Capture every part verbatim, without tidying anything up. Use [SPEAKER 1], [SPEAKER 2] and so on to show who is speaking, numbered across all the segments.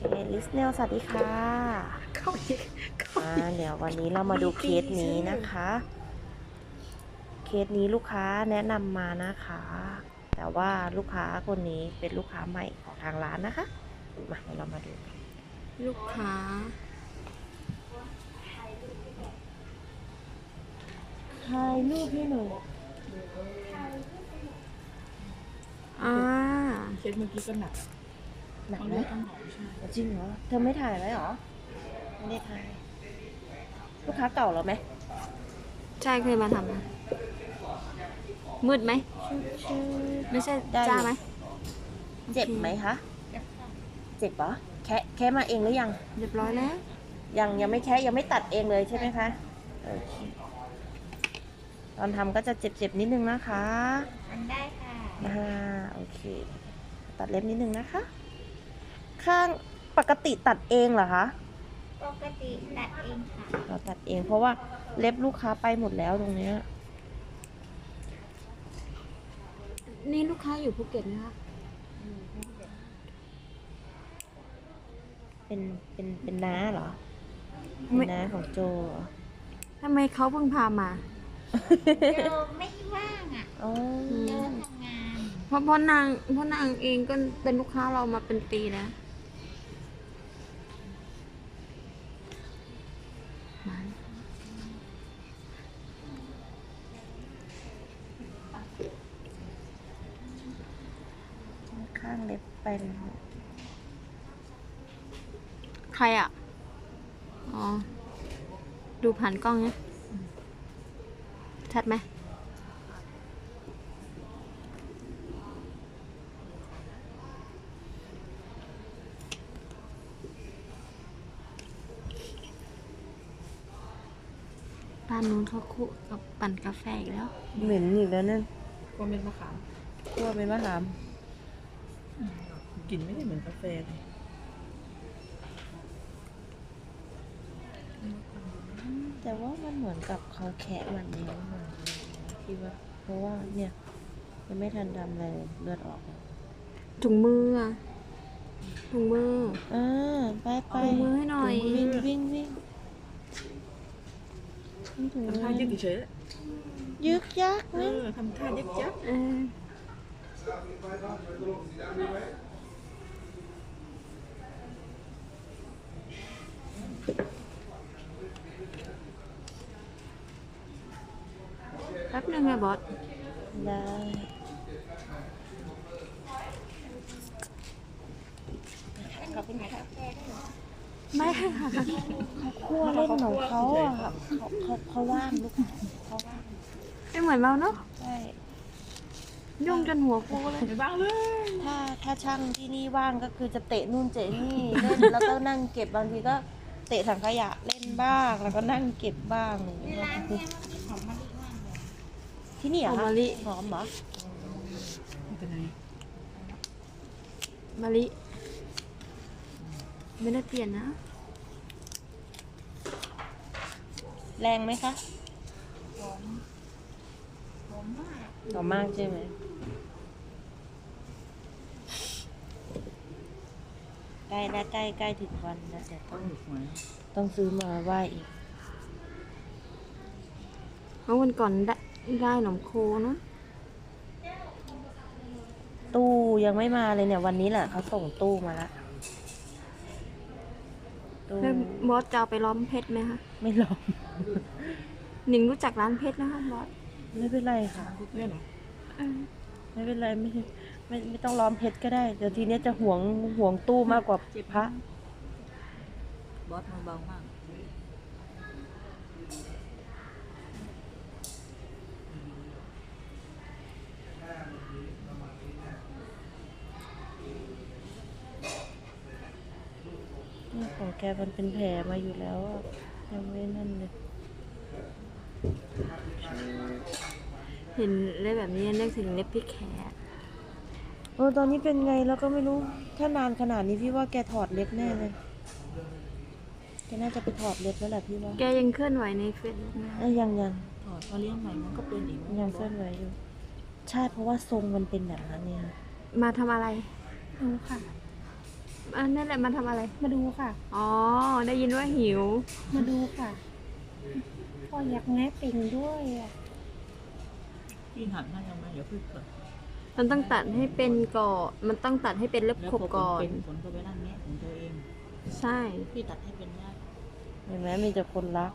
[SPEAKER 1] ลิสเนลสวัสดีค่ะ
[SPEAKER 2] เข้าอีกเข้า
[SPEAKER 1] อ่า
[SPEAKER 2] อีก
[SPEAKER 1] เดี๋ยววันนี้เรามาดูเคสนี้นะคะ เคสนี้ลูกค้าแนะนำมานะคะ แต่ว่าลูกค้าคนนี้เป็นลูกค้าใหม่ของทางร้านนะคะ มาเดี๋ยวเรามาดูกัน
[SPEAKER 2] ลูกค้า
[SPEAKER 1] ถ่ายรูปให้หน่อย
[SPEAKER 2] อ่า
[SPEAKER 3] เคสเมื่อกี้ก็หนัก
[SPEAKER 1] หนัก
[SPEAKER 3] เขา
[SPEAKER 1] ไหม
[SPEAKER 3] เลือดต้นหอมใช่
[SPEAKER 1] จริงเหรอ เธอไม่ถ่ายไว้เหรอ ไม่ได้ถ่าย ลูกค้าเก่าเหรอไหม
[SPEAKER 2] ใช่เคยมาทำนะมืดไหม ไม่ใช่
[SPEAKER 1] ได้อยู่
[SPEAKER 2] จ้าไหม
[SPEAKER 1] เจ็บไหมคะ เจ็บเหรอ แคะแคะมาเองหรือยัง
[SPEAKER 2] เรียบร้อยแล้ว
[SPEAKER 1] ยังยังไม่แคะยังไม่ตัดเองเลยใช่ไหมคะโอเคตอนทำก็จะเจ็บๆนิดนึงนะคะ
[SPEAKER 4] อันได้ค่ะ
[SPEAKER 1] อ่าโอเค ตัดเล็บนิดนึงนะคะ ข้างปกติตัดเองเหรอคะ
[SPEAKER 4] ปกติตัดเองค่ะ
[SPEAKER 1] เราตัดเองเพราะว่าเล็บลูกค้าไปหมดแล้วตรงเนี้ย
[SPEAKER 2] นี่ลูกค้าอยู่ภูเก็ตนะคะ
[SPEAKER 1] เป็นเป็นเป็นน้าเหรอ
[SPEAKER 2] ไม่
[SPEAKER 1] เป็นน้าของโจเหรอ
[SPEAKER 2] ทำไมเขาเพิ่งพามา
[SPEAKER 4] โยไม่ว่างอ่ะ
[SPEAKER 1] อ๋อ
[SPEAKER 4] โยทำงาน
[SPEAKER 2] เพราะเพราะนางเพราะนางเองก็เป็นลูกค้าเรามาเป็นปีแล้วมา
[SPEAKER 1] ข้างเล็บไปเลย
[SPEAKER 2] ใครอ่ะ อ๋อ ดูผ่านกล้องเนี่ยชัดไหม บ้านนู้นเขาคุกับปั่นกาแฟอีกแล้ว
[SPEAKER 1] เหม็นอีกแล้วนั่น
[SPEAKER 3] ก็เม็ดมะขาม
[SPEAKER 1] คั่วเป็นมะขาม
[SPEAKER 3] กลิ่นไม่ได้เหมือนกาแฟเลย
[SPEAKER 1] แต่ว่ามันเหมือนกับเขาแคะมันเองมันคิดว่า เพราะว่าเนี่ยยังไม่ทันทำอะไรเลยเลือดออกแล้ว
[SPEAKER 2] ถุงมืออะถุงมือ
[SPEAKER 1] อ่าไปไป
[SPEAKER 2] ถุงมือให้หน่อย
[SPEAKER 1] วิ่งวิ่งวิ่งวิ่งถุงมื
[SPEAKER 3] ทำท่า
[SPEAKER 1] อ
[SPEAKER 3] ยึกเฉย
[SPEAKER 1] ยึกยัก
[SPEAKER 3] ๆเอ
[SPEAKER 1] นะ
[SPEAKER 3] อทำท่ายึกยัก
[SPEAKER 2] เออแป๊บนึงอะบอส
[SPEAKER 1] ได้ขอบคุณค่ะ
[SPEAKER 2] ไม่ค่ะ
[SPEAKER 1] คั่วเล่นของเขาอ่ะเขาเขาเขาว่างลูกเขาว่าง
[SPEAKER 2] ไม่เหมือนเราเนาะ
[SPEAKER 1] ใช่
[SPEAKER 2] ยุ่งจนหัวฟูเลย
[SPEAKER 3] ไม่บ้างเลย
[SPEAKER 1] ถ้าถ้าช่างที่นี่ว่างก็คือจะเตะนู่นเตะนี่เล่นแล้วก็นั่งเก็บบางทีก็เตะถังขยะเล่นบ้างแล้วก็นั่งเก็บบ้างอย่าง
[SPEAKER 4] ใน
[SPEAKER 1] เงี้ย
[SPEAKER 4] ร้านเนี่ยหอมมะลิมากเลย
[SPEAKER 1] ที่นี่เหร
[SPEAKER 2] หอ
[SPEAKER 1] อ่ะ
[SPEAKER 2] มมะลิ
[SPEAKER 1] หอมเหรอ
[SPEAKER 3] ไม่เป็นไร
[SPEAKER 2] มะลิ ไม่ได้เปลี่ยนนะ
[SPEAKER 1] แรงไหมคะ
[SPEAKER 4] หอมหอมมาก
[SPEAKER 1] หอมมากใช่ไหมใกล้แล้วใกล้ใกล้ถึงวันแล้วเดี๋ยว
[SPEAKER 3] ต้
[SPEAKER 1] ต้
[SPEAKER 3] อ
[SPEAKER 1] อง ง
[SPEAKER 3] หยุดหวย
[SPEAKER 1] ต้องซื้อมาไหว้อีก
[SPEAKER 2] เพราะวันก่อนได้ได้หนมโคเนอะ
[SPEAKER 1] ตู้ยังไม่มาเลยเนี่ยวันนี้แหละเขาส่งตู้มาละตู้
[SPEAKER 2] แล้วบอสจะเอาไปล้อมเพชรไหมคะ
[SPEAKER 1] ไม่ลอง
[SPEAKER 2] หนิงรู้จักร้านเพชรนะคะบอส
[SPEAKER 1] ไม่เป็นไรค่ะ
[SPEAKER 3] เนี่ยเหรอ
[SPEAKER 2] เออ
[SPEAKER 1] ไม่เป็นไรไม่ไม่ไม่ต้องล้อมเพชรก็ได้เดี๋ยวทีเนี้ยจะห่วงห่วงตู้มากกว่าพระ
[SPEAKER 3] บอสมือเบามาก
[SPEAKER 1] นี่ของแกมันเป็นแผลมาอยู่แล้วอะยังไม่นั่นเลย
[SPEAKER 2] เห็นเล็บแบบนี้นึกถึงเล็บพี่แขก
[SPEAKER 1] เออตอนนี้เป็นไงแล้วก็ไม่รู้ถ้านานขนาดนี้พี่ว่าแกถอดเล็บแน่เลยแกน่าจะไปถอดเล็บแล้วแหละพี่ว่า
[SPEAKER 2] แกยังเคลื่อนไหวในเฟซบุ๊กนะ
[SPEAKER 1] เอ้ยยังยัง
[SPEAKER 3] ถอดพอเลี้ยงใหม่มันก็เป็นอีก
[SPEAKER 1] ยังเคลื่อนไหวอยู่ ใช่เพราะว่าทรงมันเป็นแบบนั้นเนี่ย
[SPEAKER 2] มาทำอะไรรู้ค่ะอันนั่นแหละมาทำอะไร
[SPEAKER 4] มาดูค่ะ
[SPEAKER 2] อ๋อ ได้ยินว่าหิว
[SPEAKER 4] มาดูค่ะก็อยากแง้เป่งด้วยอ่ะ
[SPEAKER 3] พี่หัดให้ทำไมเดี๋ยวพึ่งก่อน
[SPEAKER 2] มันต้องตัดให้เป็นก่อนมันต้องตัดให้เป็นเล็บ
[SPEAKER 3] แล้ว
[SPEAKER 2] ขบ
[SPEAKER 3] พอ
[SPEAKER 2] ก่อน
[SPEAKER 3] เป็นผลก็ไปนั่งแงะของตัวเอง
[SPEAKER 2] ใช่
[SPEAKER 3] พี่ตัดให้เป็นได้
[SPEAKER 1] เห็นไหมมีแต่คนรัก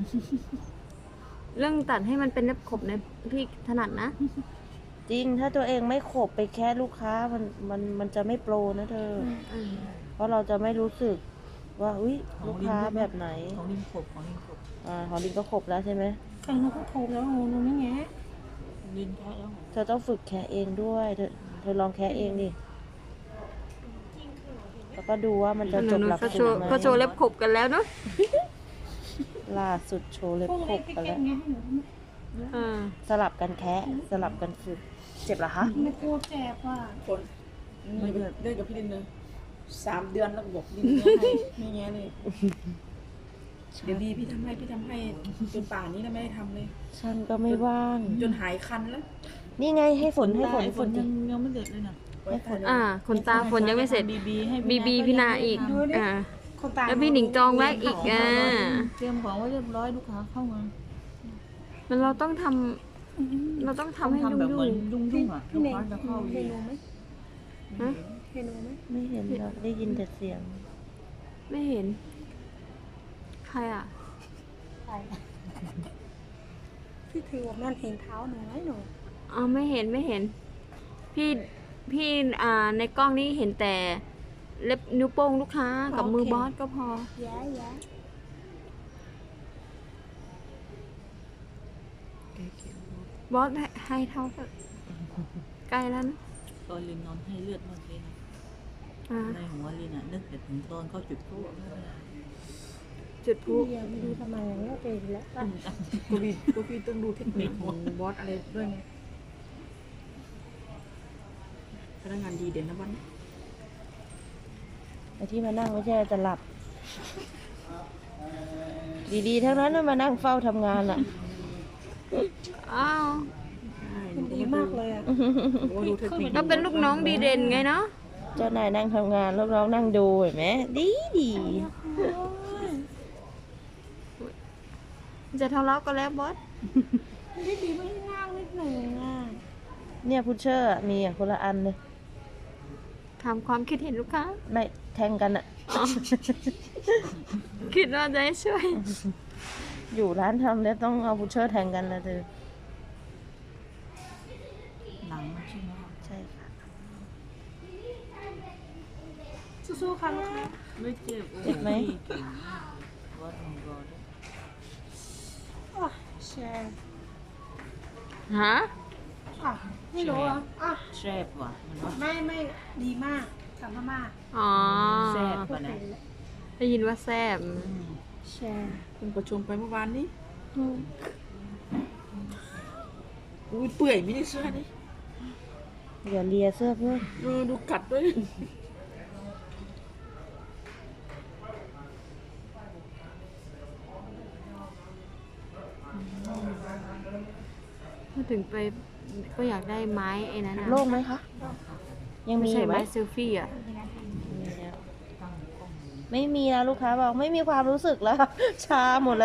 [SPEAKER 2] เรื่องตัดให้มันเป็นเล็บขบเนี่ยพี่ถนัดนะ
[SPEAKER 1] จริงถ้าตัวเองไม่ขบไปแค่ลูกค้ามันมันมันจะไม่โปรนะเธอ
[SPEAKER 2] อืม
[SPEAKER 1] เพราะเราจะไม่รู้สึกว่าอุ้ย
[SPEAKER 3] ของ
[SPEAKER 1] ลูก
[SPEAKER 3] ลิ้น
[SPEAKER 1] ค้า
[SPEAKER 3] ด้วยนะ
[SPEAKER 1] แบบไหน
[SPEAKER 3] ของลิ้นขบของลิ้นขบ
[SPEAKER 1] อ่าหอลินก็ขบแล้วใช่ไหม
[SPEAKER 4] ใครหนูก็โทรแล้วหนูหนูไม่แง้
[SPEAKER 3] ลิ้นแค่แล้ว
[SPEAKER 1] เธอต้องฝึกแคะเองด้วยเธอเธอลองแคะเองดิแล้วก็ดูว่ามันจะ
[SPEAKER 2] ห
[SPEAKER 1] จ
[SPEAKER 2] นู
[SPEAKER 1] บ
[SPEAKER 2] หนู
[SPEAKER 1] หลัก
[SPEAKER 2] ก็โช
[SPEAKER 1] สูต
[SPEAKER 2] ว์
[SPEAKER 1] รไหม
[SPEAKER 2] ก็โชว์เล็บขบกันแล้วเนาะ
[SPEAKER 1] ล่าสุดโชว์เล็บ
[SPEAKER 4] พวก
[SPEAKER 1] ข
[SPEAKER 4] เล็
[SPEAKER 1] บ
[SPEAKER 4] ก
[SPEAKER 1] กัน
[SPEAKER 4] แก่
[SPEAKER 1] แล้ว
[SPEAKER 4] แง้ให้หนู
[SPEAKER 2] อ่า
[SPEAKER 1] สลับกันแคะสลับกันฝึกเจ็บเหรอคะ
[SPEAKER 4] ไม่กลัวเจ็บว่ะ
[SPEAKER 5] คนไม่เลิกเลิกกับพี่ลินเลยสามเดือนแล้วก็บอกลินไม่แง่ให้ไม่แง่เลยเดี๋ยวดีพี่ทำให้พี่ทำให้จนป่านนี้แล้วไม่ได้ทำเลย
[SPEAKER 1] ฉันก็ไม่ว่าง
[SPEAKER 5] จนหายคันแล้ว
[SPEAKER 1] นี่ไงให้ฝนให้ฝน
[SPEAKER 3] ไอ้ฝ
[SPEAKER 1] ฝ
[SPEAKER 3] น
[SPEAKER 1] น
[SPEAKER 3] ยั
[SPEAKER 1] ดิ
[SPEAKER 3] งยังไม่เสร็จเลยนะ
[SPEAKER 1] ให้ฝน
[SPEAKER 2] อ่าขนตาฝนยังไม่เสร็จ
[SPEAKER 3] บีบีให้
[SPEAKER 2] บีบีพี่นาอีก อ่า
[SPEAKER 4] คนตาย
[SPEAKER 2] แล้วพี่หนิงจองแรกอีกอ่า
[SPEAKER 3] เตรียมของไว้เรียบร้อยลูกค้าเข้ามา
[SPEAKER 2] มันเราต้องทำเราต้องทำให้
[SPEAKER 3] ทำ
[SPEAKER 2] ยุ่
[SPEAKER 3] แบบเหมือน
[SPEAKER 2] ง
[SPEAKER 3] ยุ่งยุ่งๆอ่ะ
[SPEAKER 4] พี่
[SPEAKER 3] ลูก
[SPEAKER 4] เน่ง
[SPEAKER 3] ค้าจะเข้า
[SPEAKER 4] เห็นหนูไหม
[SPEAKER 2] ๆฮะ
[SPEAKER 4] เห็นหนูไหม
[SPEAKER 1] ไม่เห็นหรอกได้ยินแต่เสียง
[SPEAKER 2] ไม่เห็น ใครอ่ะ
[SPEAKER 4] ใช่พี่ถือว่ามันเห็นเท้าหนูไหมหนู
[SPEAKER 2] อ๋อไม่เห็นไม่เห็น พี่พี่อ่าในกล้องนี่เห็นแต่เล็บนิ้วโป้งลูกค้ากับมือบอสก็พอ
[SPEAKER 4] แย้แย้
[SPEAKER 2] บอสให้ให้เท่ากันใกล้แล้วนะ
[SPEAKER 3] ตอนลินนอนให้เลือดมากเลยนะ
[SPEAKER 2] อ่า
[SPEAKER 3] ในหัวลินอ่ะนึกแต่ถึงตอนเขาจุดพลุ
[SPEAKER 2] จุดพลุ
[SPEAKER 4] พี่ยังไม่รู้ทำไมอย่างนี้เป็นแล้วป่ะ
[SPEAKER 5] กูพี่กูพี่ต้องดูเทคนิคของบอสอะไรด้วยไงพนักงานดีเด่นนะวันนี้
[SPEAKER 1] ไอ้ที่มานั่งไม่ใช่จะหลับ ดีๆทั้งนั้นนะมานั่งเฝ้าทำงานอ่ะ
[SPEAKER 2] อ้าว
[SPEAKER 5] ใช่
[SPEAKER 4] มันดีมากเลยอ่ะ
[SPEAKER 5] หนูก็ดูเทคนิค
[SPEAKER 2] ก็เป็นลูกน้องดีเด่นไงเนาะ
[SPEAKER 1] เจ้านายนั่งทำงานลูกน้องนั่งดูเห็นไหมดีดี
[SPEAKER 2] จะทะเลาะกันแล้วบอส
[SPEAKER 4] มันดีไม่ได้นั่งนิดหนึ่งอ่ะ
[SPEAKER 1] เนี่ยพุชเชอร์อะมีอะคนละอันเลย
[SPEAKER 2] ถามความคิดเห็นลูกค้า
[SPEAKER 1] ไม่แทงกันอ่ะ
[SPEAKER 2] อ๋อคิดว่าจะให้ช่วย
[SPEAKER 1] อยู่ร้านทำแล้วต้องเอาพุชเชอร์แทงกันนะเธอ
[SPEAKER 3] หนังมันใช่ไหม
[SPEAKER 1] ใช่ค่ะ
[SPEAKER 4] สู้ๆค่ะลูกค้า
[SPEAKER 3] ไม่เจ็บ
[SPEAKER 1] เจ็บไหม
[SPEAKER 3] เก่งมากวัดของเราด้วย
[SPEAKER 4] อ่ะแชร์
[SPEAKER 2] ฮะ
[SPEAKER 4] อ่ะไม่รู้เหรออ่ะ
[SPEAKER 3] แซ่บว่ะมันว่า
[SPEAKER 4] ไม่ไม่ดีมากสามมาก
[SPEAKER 2] อ๋อ
[SPEAKER 3] แซ่บป่ะนะ
[SPEAKER 2] ได้ยินว่าแซ่บ
[SPEAKER 4] แชร์
[SPEAKER 5] เพิ่งประชุมไปเมื่อวานนี้อุ้ยเปื่อยไม่ได้เสื้อนี่
[SPEAKER 1] อย่าเลียเสื้อเพื่อน
[SPEAKER 5] เออดูกัดด้วย
[SPEAKER 2] ถ้าถึงไปก็อยากได้ไม้ไอ้นั้นนะ
[SPEAKER 1] โล่งไหมคะ ยัง
[SPEAKER 2] ไม่
[SPEAKER 1] มีอ
[SPEAKER 2] ใช่
[SPEAKER 1] ยู่ไหม
[SPEAKER 2] ไม้เซลฟี่อ่ะ
[SPEAKER 1] มีแล้วไม่มีแล้วลูกค้าบอกไม่มีความรู้สึกแล้ว ชาหมดแล้ว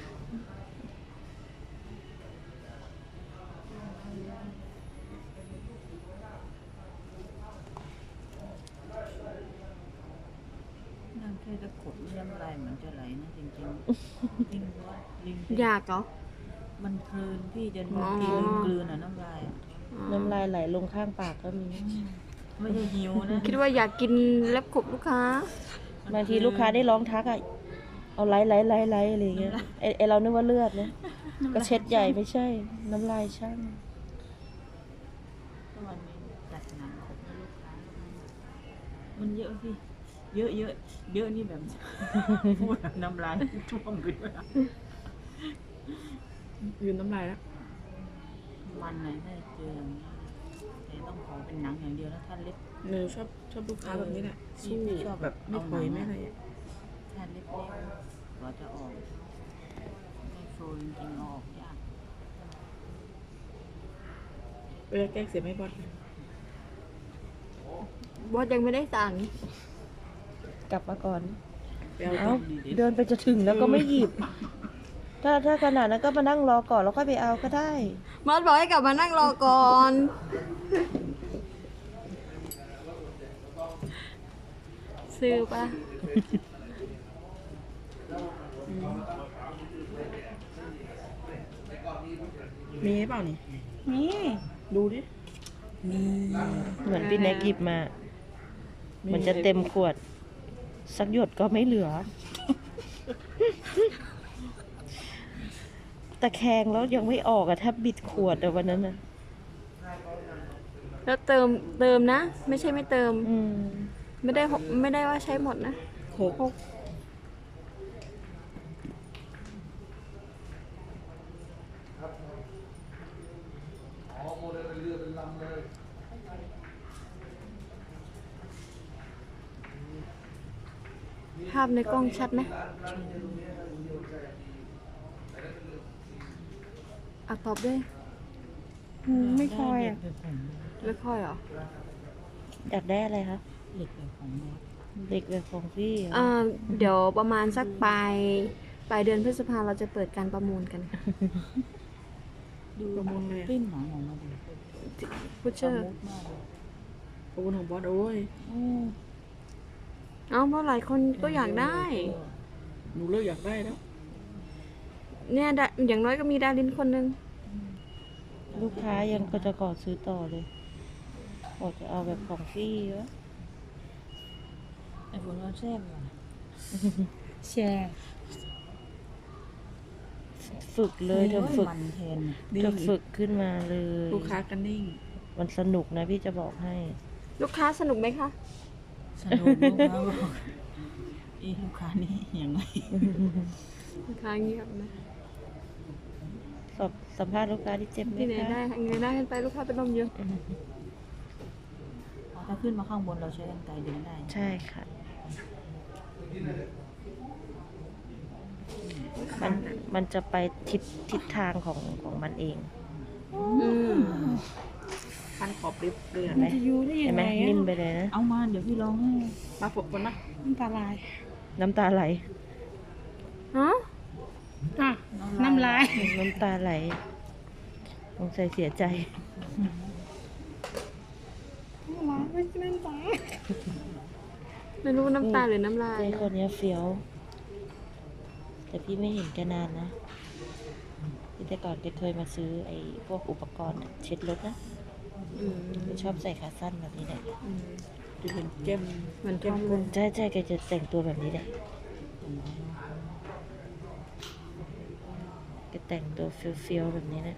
[SPEAKER 3] นั่งแค่จะขดน้ำลายเหมือนจะไหลนะจริงๆลิงว่าลิง
[SPEAKER 2] อยากเหรอ
[SPEAKER 3] มันเพลินพี่จะ
[SPEAKER 2] อ๋อ
[SPEAKER 3] ทีลืมกลืนอ่ะน้ำลายอะ
[SPEAKER 1] น้ำลายไหลลงข้างปากก็มี
[SPEAKER 3] ไม่ใช่หิวนะ
[SPEAKER 2] คิดว่าอยากกินเล็บขบลูกค้า
[SPEAKER 1] บางทีลูกค้าได้ร้องทักอ่ะ เอาไล่ไล่ไล่ไล่อะไรอย่างเงี้ยไอไอเรานึกว่าเลือดนะก็เช็ดใหญ่ไม่ใช่ น้ำลายช่าง
[SPEAKER 3] ก็วันนี้จัดหนังขบให้ลูกค้ามันเยอะพี่เยอะเยอะเยอะนี่แบบ พูดแบบน้ำลายท่วมขึ้นมา
[SPEAKER 5] ยืนน้ำลายแล้ว
[SPEAKER 3] วันไหนได้เจออย่างนี้แต่ต้องขอเป็นหนังอย่างเดียวนะถ้าเล็บ
[SPEAKER 5] หนูชอบชอบลูกค้าแบบนี้แหละ
[SPEAKER 3] เออ
[SPEAKER 5] สู้
[SPEAKER 3] พี่ชอบ
[SPEAKER 5] แบบไม่ปล่อยไม่อะไรอะ
[SPEAKER 3] ถ้าเล็บเล็กเราจะออกไม่โฟล์จริงๆเอาออกยาก
[SPEAKER 5] เวลาแกล้งเสียไม่บอส
[SPEAKER 2] บอสยังไม่ได้สั่ง
[SPEAKER 1] กลับมาก่อน
[SPEAKER 5] ไปเอา
[SPEAKER 1] เอ้า
[SPEAKER 5] ตังค์ดีดิ
[SPEAKER 1] เดินไปจะถึงแล้วก็ไม่หยิบ ถ้าถ้าขนาดนั้นก็มานั่งรอก่อนแล้วค่อยไปเอาก็ได้
[SPEAKER 2] มอสบอกให้กลับมานั่งรอก่อน ซื้อปะ
[SPEAKER 5] มีเปล่านี่
[SPEAKER 4] มี
[SPEAKER 5] ดูดิ มี
[SPEAKER 1] เหมือนพี่แน็กหยิบมา มันจะเต็มขวด สักหยดก็ไม่เหลือ ตะแคงแล้วยังไม่ออกอะแทบบิดขวดอะวันนั้นนะ
[SPEAKER 2] แล้วเติมเติมนะ ไม่ใช่ไม่เติม
[SPEAKER 1] อืม
[SPEAKER 2] ไม่ได้หกไม่ได้ว่าใช้หมดนะ
[SPEAKER 5] หก
[SPEAKER 2] ภาพในกล้องชัดไหมอ่ะตอบด้วย
[SPEAKER 4] อืมไม่ค่อยอ่ะ
[SPEAKER 2] ไม่ค่อยเหรอ
[SPEAKER 1] อยากได้อะไรคะ
[SPEAKER 3] เหล็กแบบของแม่
[SPEAKER 1] เด็กแบบของพี่เหรอ
[SPEAKER 2] อ่าเดี๋ยวประมาณสักปลายปลายเดือนพฤษภาเราจะเปิดการประมูลกัน
[SPEAKER 3] ดู
[SPEAKER 5] ประมูลเลย
[SPEAKER 3] ปิ้นหนังออกมาดี
[SPEAKER 2] พุชเชอร์
[SPEAKER 3] มุดมากเลย
[SPEAKER 5] ประมูลของบอสโอ้ย
[SPEAKER 3] อืม
[SPEAKER 2] เอ้าเพราะหลายคนก็อยากได้
[SPEAKER 5] หนูเลิกอยากได้แล้ว
[SPEAKER 2] เนี่ยดาอย่างน้อยก็มีดารินคนนึง
[SPEAKER 1] ลูกค้ายังก็จะขอซื้อต่อเลยบอกจะเอาแบบของพี่วะ
[SPEAKER 3] ไอ้ฝนว่าแซ่บว่ะ
[SPEAKER 4] แชร์
[SPEAKER 1] ฝึกเลยเธอฝึก
[SPEAKER 3] มันแทน
[SPEAKER 1] เธอฝึกขึ้นมาเลย
[SPEAKER 5] ลูกค้ากันนิ่ง
[SPEAKER 1] มันสนุกนะพี่จะบอกให้
[SPEAKER 2] ลูกค้าสนุกไหมคะ
[SPEAKER 3] สนุกลูกค้าบอกอีลูกค้านี่ยังไง
[SPEAKER 2] ลูกค้าเงียบนะ
[SPEAKER 1] สอบสัมภาษณ์ลูกค้าที่เจ็บไหม
[SPEAKER 2] ที่ไหน
[SPEAKER 1] คะ
[SPEAKER 2] ได้ไงได้ขึ้นไปลูกค้าเป็นลมเยอะ
[SPEAKER 3] ถ้าขึ้นมาข้างบนเราใช้กันไกรดึงได้
[SPEAKER 1] ใช่ค่ะ มันมันจะไปทิศทิศทางของของมันเอง
[SPEAKER 2] อืม
[SPEAKER 5] พันขอบริบเลย
[SPEAKER 1] เห็
[SPEAKER 5] อะ
[SPEAKER 1] นไหม
[SPEAKER 4] จะอยู่ได้
[SPEAKER 1] เห็
[SPEAKER 4] ยั
[SPEAKER 1] น
[SPEAKER 4] ง
[SPEAKER 1] ไหม
[SPEAKER 4] ไง
[SPEAKER 1] นิ่ม
[SPEAKER 4] อ่ะ
[SPEAKER 1] ไปเลยนะ
[SPEAKER 3] เอามาเดี๋ยวพี่ลองให้
[SPEAKER 5] มาฝกกันนะ
[SPEAKER 4] น้ำตาลาย
[SPEAKER 1] น้ำตาไหล
[SPEAKER 2] ฮะ
[SPEAKER 4] อ่ะน้ำลาย
[SPEAKER 1] น้ำตาไหลสงสัยเสียใจ
[SPEAKER 4] น้ำลายไม่ใช่น้ำตา
[SPEAKER 2] ไม่รู้น้ำตาหรือน้ำลาย
[SPEAKER 1] เจ๊คนเนี้ยเฟี้ยว แต่พี่ไม่เห็นแกนานนะพี่แต่ก่อนแกเคยมาซื้อไอ้พวกอุปกรณ์เช็ดรถนะ
[SPEAKER 2] อืม
[SPEAKER 1] แกชอบใส่ขาสั้นแบบนี้แหละ
[SPEAKER 2] อืม
[SPEAKER 5] ดูเป็นแก้ม
[SPEAKER 2] เหมือนทอมเลย
[SPEAKER 1] ใช่ใช่แกจะแต่งตัวแบบนี้แหละแกแต่งตัวเฟี้ยวๆแบบนี้นะ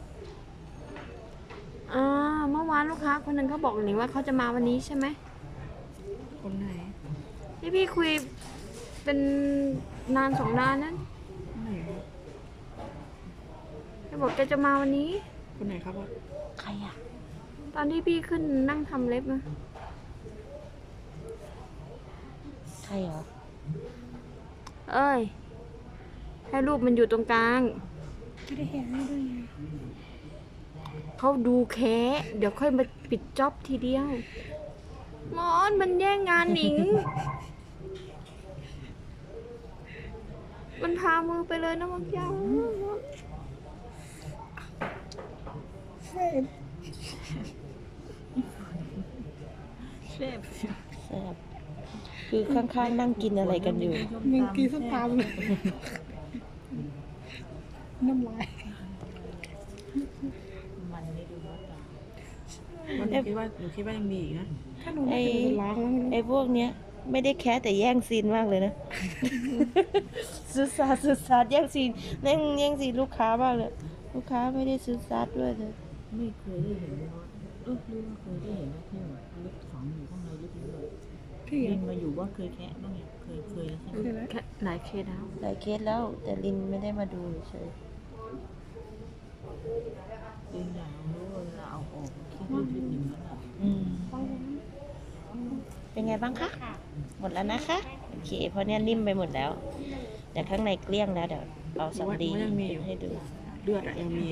[SPEAKER 2] อ่าเมื่อวานลูกค้าคนหนึ่งเขาบอกหนิงว่าเขาจะมาวันนี้ใช่ไหม
[SPEAKER 5] คนไหน
[SPEAKER 2] ที่พี่คุยเป็นนานสองนานนั้น
[SPEAKER 5] คนไหนวะ
[SPEAKER 2] เขาบอกแกจะมาวันนี้
[SPEAKER 5] คนไหนครับบอส
[SPEAKER 1] ใครอ่ะ
[SPEAKER 2] ตอนที่พี่ขึ้นนั่งทำเล็บนะ
[SPEAKER 1] ใครเหรอ
[SPEAKER 2] เอ้ย ให้รูปมันอยู่ตรงกลาง
[SPEAKER 4] ไม่ได้เห็นไม่ด้วยไง
[SPEAKER 2] เขาดูแค่เดี๋ยวค่อยมาปิดจ็อบทีเดียวมอนมันแย่งงานหนิง มันพามือไปเลยนะมังยาว
[SPEAKER 3] แซ่บ
[SPEAKER 1] แซ่บคือข้างๆนั่งกินอะไรกันอยู่
[SPEAKER 4] มึงกินส้มตำเลยน้ำลาย
[SPEAKER 3] มันนี่ดูว่าต่าง
[SPEAKER 5] มันหนูคิดว่าหนูคิดว่ายังมีอีกนะ
[SPEAKER 4] ถ้าหนูได้ถึงล้างแล้วมัน
[SPEAKER 1] ไอ้พวกเนี้ย ไม่ได้แค่แต่แย่งซีนมากเลยนะ ซื้อซาดซื้อซาดแย่งซีนแย่งแย่งซีนลูกค้ามากเลย ลูกค้าไม่ได้ซื้อซาดด้วยเลย
[SPEAKER 3] ไม่เคยได้เห็นเลยว่าเออหรือว่าเคยได้เห็นว่าที่แบบลึกฝังอยู่ข้างในลึกๆ
[SPEAKER 4] พี่
[SPEAKER 3] ลิ
[SPEAKER 4] อ่ะ
[SPEAKER 3] นมาอยู่ว่าเคยแคะบ้างไงเคยเคยแล้วใช่ไหม
[SPEAKER 4] เคยไหม
[SPEAKER 2] แค่หลายเคสแล้ว
[SPEAKER 1] หลายเคสแล้ว แต่ลินไม่ได้มาดูเฉย
[SPEAKER 3] ลินอยากรู้ว่าเวลาเอาออกคิดลึกๆอย่างนั้นอ่ะ
[SPEAKER 1] อืมเป็นไงบ้างคะ หมดแล้วนะคะ โอเค เพราะเนี้ยนิ่มไปหมดแล้ว แต่ข้างในเกลี้ยงแล้วเดี๋ยวเอาสำลีให้ดู
[SPEAKER 5] เลือดอะยังมี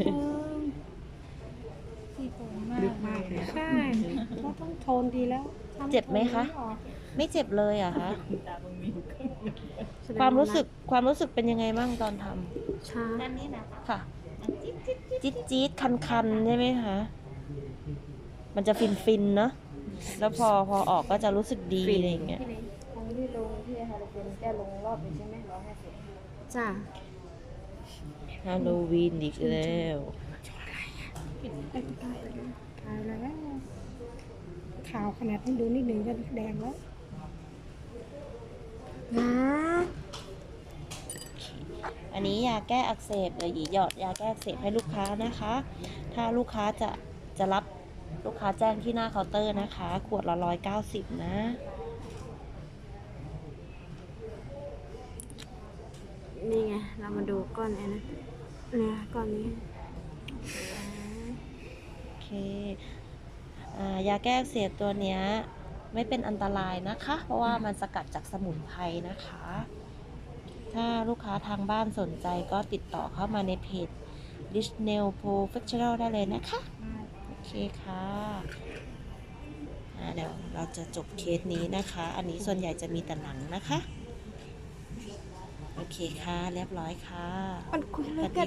[SPEAKER 4] พี่โกงมาก
[SPEAKER 5] ลึกมากเลยอะ
[SPEAKER 4] ใช่ก็ต้องโทนดีแล้ว
[SPEAKER 5] อ
[SPEAKER 1] เจ็บไหมคะ ไม่เจ็บเลยเหรอะคะ
[SPEAKER 3] ตามึงมีอยู่ครึ่งหนึ่ง
[SPEAKER 2] แสดง
[SPEAKER 1] ความรู้สึกความรู้สึกเป็นยังไงบ้างตอนทำ
[SPEAKER 2] ชา
[SPEAKER 4] ด้านนี้นะคะ
[SPEAKER 1] ค่ะ จี๊ดจี๊ดคันคันๆใช่ไหมคะ มันจะฟินฟินๆเนาะ แล้วพอพอออกก็จะรู้สึกดีอะไรอย่างเงี้ย
[SPEAKER 4] พี่เล็กครั้งที่ลงที่ฮาโลวีนแก้ลงรอบนี้ใช่ไหมร้อยห้าสิบ
[SPEAKER 2] จ้า
[SPEAKER 1] ฮาโลวีนอีกแล้ว
[SPEAKER 4] ตายแล้วข่าวขนาดนี้ดูนิดหนึ่งก็แดงแล้ว
[SPEAKER 2] นะ
[SPEAKER 1] อันนี้ยาแก้อักเสบเดี๋ยวหยีหยอดยาแก้อักเสบให้ลูกค้านะคะ ถ้าลูกค้าจะจะรับลูกค้าแจ้งที่หน้าเคาน์เตอร์นะคะ ขวดละร้อยเก้าสิบนะ
[SPEAKER 2] นี่ไง เรามาดูก้อนไอ้นะเนี่ยก้อนนี้
[SPEAKER 1] โอเคอ่ายาแก้อักเสบตัวเนี้ยไม่เป็นอันตรายนะคะ เพราะว่ามันสกัดจากสมุนไพรนะคะ ถ้าลูกค้าทางบ้านสนใจก็ติดต่อเข้ามาในเพจ Rich Nail Professional ได้เลยนะคะ โอเคค่ะอ่าเดี๋ยวเราจะจบเคสนี้นะคะ อันนี้ส่วนใหญ่จะมีแต่หนังนะคะ โอเคค่ะ เรียบร้อยค่ะ
[SPEAKER 2] มันคุยเลย